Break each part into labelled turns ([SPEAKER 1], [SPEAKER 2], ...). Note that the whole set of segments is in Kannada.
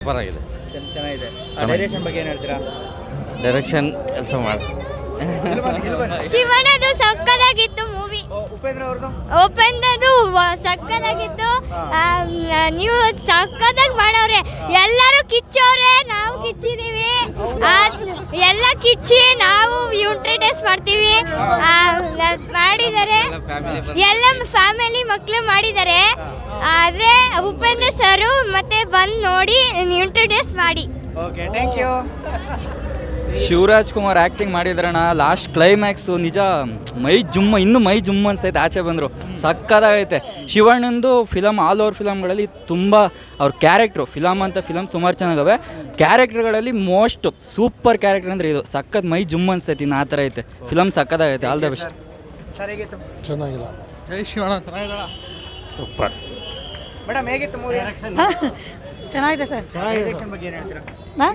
[SPEAKER 1] ಪರವಾಗಿಲ್ಲ,
[SPEAKER 2] ಚೆನ್ನಾಗಿದೆ. ಡೈರೆಕ್ಷನ್ ಬಗ್ಗೆ ಏನು ಹೇಳ್ತೀರಾ?
[SPEAKER 1] ಡೈರೆಕ್ಷನ್ ಕೆಲಸ ಮಾಡಿ.
[SPEAKER 3] ಶಿವನದು ಸಕ್ಕದಾಗಿತ್ತು ಮೂವಿ.
[SPEAKER 2] ಉಪೇಂದ್ರ ಅವ್ರದ್ದು
[SPEAKER 3] ಉಪೇಂದ್ರದು ಸಕ್ಕದಾಗಿತ್ತು. ನೀವು ಸಕ್ಕದಾಗಿ ಮಾಡವ್ರೆ, ಎಲ್ಲರೂ ಕಿಚ್ಚವ್ರೆ, ನಾವು ಕಿಚ್ಚಿದೀವಿ. ಎಲ್ಲ ಕಿಚ್ಚಿ ನಾವು ಯುಂಟ್ರಿಟೈಸ್ ಮಾಡ್ತೀವಿ. ಮಾಡಿದ್ದಾರೆ, ಎಲ್ಲ ಫ್ಯಾಮಿಲಿ ಮಕ್ಕಳು ಮಾಡಿದ್ದಾರೆ. ಆದರೆ ಉಪೇಂದ್ರ ಸರು ಮತ್ತೆ ಬಂದು ನೋಡಿ ಯುಂಟ್ರಿಟೈಸ್ ಮಾಡಿ.
[SPEAKER 2] Okay, thank you.
[SPEAKER 4] Shivaraj Kumar acting ಮಾಡಿದ್ರಣ್ಣ. ಲಾಸ್ಟ್ ಕ್ಲೈಮ್ಯಾಕ್ಸು ನಿಜ ಮೈ ಜುಮ್ ಅನ್ಸ್ತೈತೆ. ಆಚೆ ಬಂದರು ಸಕ್ಕದಾಗೈತೆ. ಶಿವಣ್ಣಂದು ಫಿಲಮ್ ಆಲ್ ಓವರ್ ಫಿಲಮ್ಗಳಲ್ಲಿ ತುಂಬ ಅವ್ರ ಕ್ಯಾರೆಕ್ಟ್ರು, ಫಿಲಮ್ ಸುಮಾರು ಚೆನ್ನಾಗವೆ. ಕ್ಯಾರೆಕ್ಟರ್ಗಳಲ್ಲಿ ಮೋಸ್ಟ್ ಸೂಪರ್ ಕ್ಯಾರೆಕ್ಟರ್ ಅಂದರೆ ಇದು. ಸಕ್ಕತ್ ಮೈ ಜುಮ್ ಅನ್ಸ್ತೈತಿ. ಇನ್ನು ಆ ಥರ ಐತೆ ಫಿಲಮ್, ಸಕ್ಕದಾಗೈತೆ. All the best.
[SPEAKER 5] ಚೆನ್ನಾಗಿಲ್ಲ.
[SPEAKER 2] ಜೈ ಶಿವಣ್ಣ.
[SPEAKER 1] ಸೂಪರ್.
[SPEAKER 2] ಮೇಡಮ್ ಹೇಗಿತ್ತು ಮೂವಿ?
[SPEAKER 6] ಚೆನ್ನಾಗಿದೆ ಸರ್.
[SPEAKER 2] ಡೈರೆಕ್ಷನ್ ಬಗ್ಗೆ ಏನು ಹೇಳ್ತೀರಾ?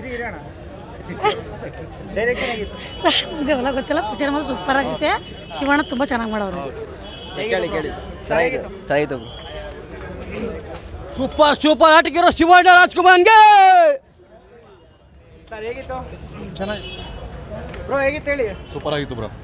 [SPEAKER 2] ಡೈರೆಕ್ಷನ್ ಹೇಗಿತ್ತು
[SPEAKER 6] ಸರ್? ಇದೆಲ್ಲ ಗೊತ್ತಿಲ್ಲ. ಪಿಕ್ಚರ್ ಮಾತ್ರ ಸೂಪರ್ ಆಗೈತೆ. ಶಿವಣ್ಣ ತುಂಬ ಚೆನ್ನಾಗಿ ಮಾಡೋರು.
[SPEAKER 2] ಚೆನ್ನಾಗಿತ್ತು.
[SPEAKER 1] ಸೂಪರ್ ಆಟಕ್ಕಿರೋ ಶಿವಣ್ಣ ರಾಜ್ಕುಮಾರ್ಗೆ.
[SPEAKER 2] ಸರ್ ಹೇಗಿತ್ತು? ಚೆನ್ನಾಗಿ. ಬ್ರೋ ಹೇಗಿತ್ತು ಹೇಳಿ?
[SPEAKER 5] ಸೂಪರ್ ಆಗಿತ್ತು ಬ್ರೋ.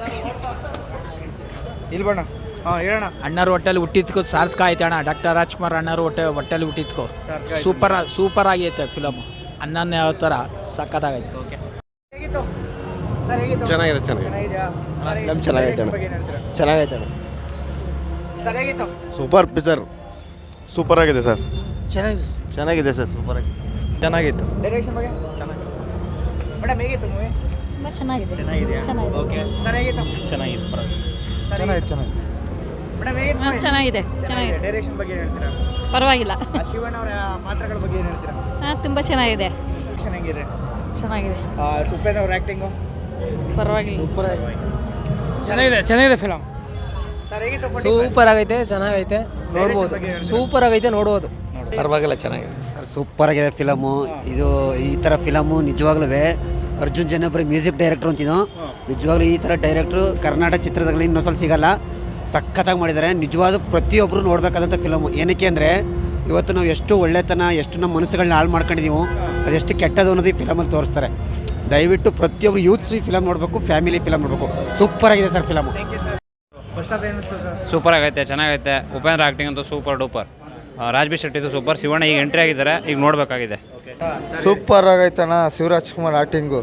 [SPEAKER 2] ಇಲ್ಲಿ ಬಣ್ಣ. ಹಾಂ ಹೇಳೋಣ.
[SPEAKER 7] ಅಣ್ಣರ ಹೊಟ್ಟೆಲಿ ಹುಟ್ಟಿದ್ಕೋ ಸಾರ್ಥಕ ಆಯ್ತು ಅಣ್ಣ. ಡಾಕ್ಟರ್ ರಾಜ್ಕುಮಾರ್ ಅಣ್ಣರ ಹೊಟ್ಟೆಲಿ ಹುಟ್ಟಿದ್ಕೋ ಸೂಪರ್ ಆಗೈತೆ ಫಿಲಮು. ಅನ್ನನೇ ಯಾವ ಥರ ಸಕ್ಕತ್ತಾಗೈತೆ.
[SPEAKER 2] ಹೇಗಿತ್ತು ಸರ್? ಹೇಗಿತ್ತು?
[SPEAKER 5] ಚೆನ್ನಾಗಿದೆ.
[SPEAKER 2] ಚೆನ್ನಾಗಿದೆಯಾ?
[SPEAKER 5] ಚೆನ್ನಾಗೈತೆ ಅಣ್ಣ. ಚೆನ್ನಾಗೈತೆ ಅಣ್ಣ.
[SPEAKER 2] ಸರ್ ಹೇಗಿತ್ತು?
[SPEAKER 5] Super picture. ಸೂಪರ್ ಆಗಿದೆ ಸರ್. ಚೆನ್ನಾಗಿದೆ ಸರ್. ಸೂಪರ್ ಆಗಿದೆ.
[SPEAKER 1] ಚೆನ್ನಾಗಿತ್ತು.
[SPEAKER 2] ಡೈರೆಕ್ಷನ್ ಬಗ್ಗೆ ಚೆನ್ನಾಗಿ. ಮೇಡಮ್ ಹೇಗಿತ್ತು ಮೂವಿ?
[SPEAKER 6] ತುಂಬ ಚೆನ್ನಾಗಿದೆ.
[SPEAKER 2] ಚೆನ್ನಾಗಿದೆಯಾ?
[SPEAKER 6] ಚೆನ್ನಾಗಿದೆ.
[SPEAKER 2] ಓಕೆ. ಸರ್ ಹೇಗಿತ್ತು?
[SPEAKER 1] ಚೆನ್ನಾಗಿತ್ತು.
[SPEAKER 5] ಚೆನ್ನಾಗಿದೆ.
[SPEAKER 2] ಮೇಡಮ್ ಹೇಗಿತ್ತು?
[SPEAKER 6] ಚೆನ್ನಾಗಿದೆ.
[SPEAKER 2] ಡೈರೆಕ್ಷನ್ ಬಗ್ಗೆ ಏನು ಹೇಳ್ತೀರಾ?
[SPEAKER 6] ಪರವಾಗಿಲ್ಲ.
[SPEAKER 2] ಶಿವಣ್ಣ ಅವರ ಪಾತ್ರಗಳ ಬಗ್ಗೆ ಏನು ಹೇಳ್ತೀರಾ?
[SPEAKER 6] ತುಂಬ ಚೆನ್ನಾಗಿದೆ.
[SPEAKER 2] ಡೈರೆಕ್ಷನ್ ಹೆಂಗಿದೆ?
[SPEAKER 6] ಚೆನ್ನಾಗಿದೆ.
[SPEAKER 2] ಉಪೇಂದ್ರ ಅವ್ರ ಆ್ಯಕ್ಟಿಂಗು
[SPEAKER 6] ಪರವಾಗಿಲ್ಲ.
[SPEAKER 2] ಚೆನ್ನಾಗಿದೆ ಫಿಲಮ್. ಸರ್ ಹೇಗಿತ್ತು?
[SPEAKER 8] ಸೂಪರ್ ಆಗೈತೆ, ಚೆನ್ನಾಗೈತೆ, ನೋಡ್ಬೋದು. ಸೂಪರ್ ಆಗೈತೆ, ನೋಡ್ಬೋದು.
[SPEAKER 5] ಪರವಾಗಿಲ್ಲ, ಚೆನ್ನಾಗಿದೆ.
[SPEAKER 9] ಸೂಪರ್ ಆಗಿದೆ ಫಿಲಮು. ಇದು ಈ ಥರ ಫಿಲಮು ನಿಜವಾಗ್ಲೂ ಅರ್ಜುನ್ ಜನ್ಯಪುರಿ ಮ್ಯೂಸಿಕ್ ಡೈರೆಕ್ಟ್ರು ಅಂತಿದ್ದು. ನಿಜವಾಗ್ಲೂ ಈ ಥರ ಡೈರೆಕ್ಟ್ರು ಕರ್ನಾಟಕ ಚಿತ್ರದಲ್ಲಿ ಇನ್ನೊಂದ್ಸಲ ಸಿಗಲ್ಲ. ಸಖತ್ತಾಗಿ ಮಾಡಿದ್ದಾರೆ. ನಿಜವಾದ ಪ್ರತಿಯೊಬ್ಬರು ನೋಡಬೇಕಾದಂಥ ಫಿಲಮು. ಏನಕ್ಕೆ ಅಂದರೆ ಇವತ್ತು ನಾವು ಎಷ್ಟು ಒಳ್ಳೆತನ, ಎಷ್ಟು ನಮ್ಮ ಮನಸ್ಸುಗಳನ್ನ ಹಾಳು ಮಾಡ್ಕೊಂಡಿದ್ದೀವೋ ಅದೆಷ್ಟು ಕೆಟ್ಟದು ಅನ್ನೋದು ಈ ಫಿಲಮಲ್ಲಿ ತೋರಿಸ್ತಾರೆ. ದಯವಿಟ್ಟು ಪ್ರತಿಯೊಬ್ಬರು ಯೂತ್ಸ್ ಈ ಫಿಲಮ್ ನೋಡಬೇಕು, ಫ್ಯಾಮಿಲಿ ಫಿಲಮ್ ನೋಡಬೇಕು. ಸೂಪರ್ ಆಗಿದೆ ಸರ್ ಫಿಲಮು.
[SPEAKER 1] ಸೂಪರ್ ಆಗೈತೆ, ಚೆನ್ನಾಗೈತೆ. ಉಪೇಂದ್ರ ಆ್ಯಕ್ಟಿಂಗ್ ಅಂತೂ ಸೂಪರ್ ಡೂಪರ್. ರಾಜ್ಬಿ ಶೆಟ್ಟಿದು ಸೂಪರ್. ಶಿವಣ್ಣ ಈಗ ಎಂಟ್ರಿ ಆಗಿದ್ದಾರೆ, ಈಗ ನೋಡಬೇಕಾಗಿದೆ.
[SPEAKER 5] ಸೂಪರ್ ಆಗೈತಣ್ಣ. Shivaraj Kumar acting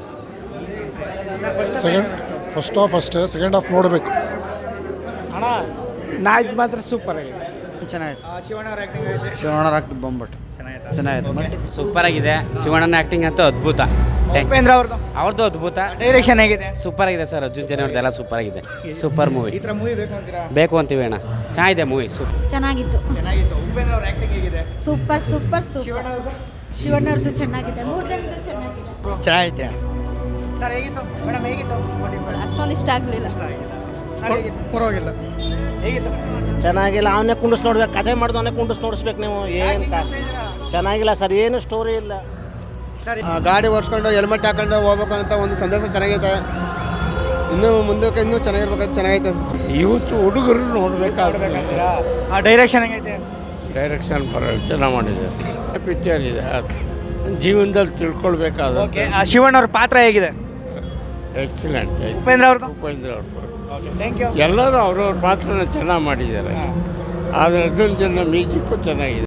[SPEAKER 5] first half ಅಷ್ಟೇ, ಸೆಕೆಂಡ್ ಹಾಫ್ ನೋಡಬೇಕು.
[SPEAKER 2] ಅಣ್ಣ ನಾಯ್ತು ಮಾತ್ರ ಸೂಪರ್ ಆಗಿದೆ.
[SPEAKER 9] ಚೆನ್ನಾಗಿದೆ.
[SPEAKER 2] ಶಿವಣ್ಣ ಅವ್ರ ಆ್ಯಕ್ಟಿಂಗ್ ಆಗಿದೆ.
[SPEAKER 9] ಶಿವಣ್ಣ ಆ್ಯಕ್ಟಿಂಗ್ ಬಂದ್ಬಿಟ್ಟು ಚೆನ್ನಾಗಿದೆ.
[SPEAKER 1] ಸೂಪರ್ ಆಗಿದೆ. ಶಿವಣ್ಣನ ಆ್ಯಕ್ಟಿಂಗ್ ಅಂತೂ ಅದ್ಭುತ.
[SPEAKER 2] ಉಪೇಂದ್ರ
[SPEAKER 1] ಅವ್ರದ್ದು ಅದ್ಭುತ.
[SPEAKER 2] ಡೈರೆಕ್ಷನ್ ಹೇಗಿದೆ?
[SPEAKER 1] ಸೂಪರ್ ಆಗಿದೆ ಸರ್. ಅರ್ಜುನ್ ಜನ ಅವ್ರದ್ದೆಲ್ಲ ಸೂಪರ್ ಆಗಿದೆ. Super movie.
[SPEAKER 2] ಈ ಥರ ಮೂವಿ ಬೇಕು ಅಂತೀರಾ?
[SPEAKER 1] ಬೇಕು ಅಂತೀವಿ ಅಣ್ಣ. ಚೆನ್ನಾಗಿದೆ ಮೂವಿ.
[SPEAKER 6] ಚೆನ್ನಾಗಿತ್ತು.
[SPEAKER 2] ಉಪೇಂದ್ರ ಅವ್ರ ಆ್ಯಕ್ಟಿಂಗ್ ಹೇಗಿದೆ?
[SPEAKER 6] ಸೂಪರ್.
[SPEAKER 2] ಶಿವಣ್ಣ ಅವ್ರದ್ದು?
[SPEAKER 6] ಶಿವಣ್ಣವ್ರದ್ದು ಚೆನ್ನಾಗಿದೆ. 3 ಜನದ್ದು ಚೆನ್ನಾಗಿದೆ.
[SPEAKER 9] ಚೆನ್ನಾಗೈತೆ.
[SPEAKER 2] ಸರ್ ಹೇಗಿತ್ತು? ಮೇಡಮ್ ಹೇಗಿತ್ತು?
[SPEAKER 3] ಅಷ್ಟೊಂದು ಇಷ್ಟ ಆಗಲಿಲ್ಲ.
[SPEAKER 5] ಪರವಾಗಿಲ್ಲ.
[SPEAKER 2] ಹೇಗಿತ್ತು?
[SPEAKER 8] ಚೆನ್ನಾಗಿಲ್ಲ. ಅವನೇ ಕುಂಡಿಸ್ ನೋಡ್ಬೇಕು. ಕಥೆ ಮಾಡಿದ ಅವನೇ ಕುಂಡಿಸ್ ನೋಡಿಸ್ಬೇಕು ನೀವು. ಏನು ಚೆನ್ನಾಗಿಲ್ಲ ಸರ್, ಏನು ಸ್ಟೋರಿ ಇಲ್ಲ.
[SPEAKER 5] ಗಾಡಿ ಓಡಿಸ್ಕೊಂಡು ಹೆಲ್ಮೆಟ್ ಹಾಕೊಂಡು ಹೋಗ್ಬೇಕು ಅಂತ ಒಂದು ಸಂದೇಶ ಚೆನ್ನಾಗೈತೆ. ಇನ್ನೂ ಮುಂದಕ್ಕೆ ಇನ್ನೂ ಚೆನ್ನಾಗಿರ್ಬೇಕಂತ ಚೆನ್ನಾಗೈತೆ.
[SPEAKER 8] ಇವತ್ತು ಹುಡುಗರು ನೋಡ್ಬೇಕಾದ್ರೆ
[SPEAKER 2] ಡೈರೆಕ್ಷನ್ ಹೆಂಗೈತೆ?
[SPEAKER 8] ಡೈರೆಕ್ಷನ್ ಚೆನ್ನಾಗಿ ಮಾಡಿದೆ. ಪಿಕ್ಚರ್ ಇದೆ, ಜೀವನದಲ್ಲಿ ತಿಳ್ಕೊಳ್ಬೇಕಾದ.
[SPEAKER 2] ಓಕೆ. ಶಿವಣ್ಣ ಅವ್ರ ಪಾತ್ರ ಹೇಗಿದೆ?
[SPEAKER 8] ಎಕ್ಸಲೆಂಟ್.
[SPEAKER 2] ಉಪೇಂದ್ರ ಅವ್ರದ್ದು?
[SPEAKER 8] ಉಪೇಂದ್ರ ಅವ್ರದ್ದು
[SPEAKER 2] ಥ್ಯಾಂಕ್ ಯು.
[SPEAKER 8] ಎಲ್ಲರೂ ಅವ್ರವ್ರ ಪಾತ್ರನ ಚೆನ್ನಾಗಿ ಮಾಡಿದ್ದಾರೆ. ಆದರೆ ಅರ್ಜುನ್ ಜನ ಮ್ಯೂಸಿಕ್ಕು ಚೆನ್ನಾಗಿದೆ.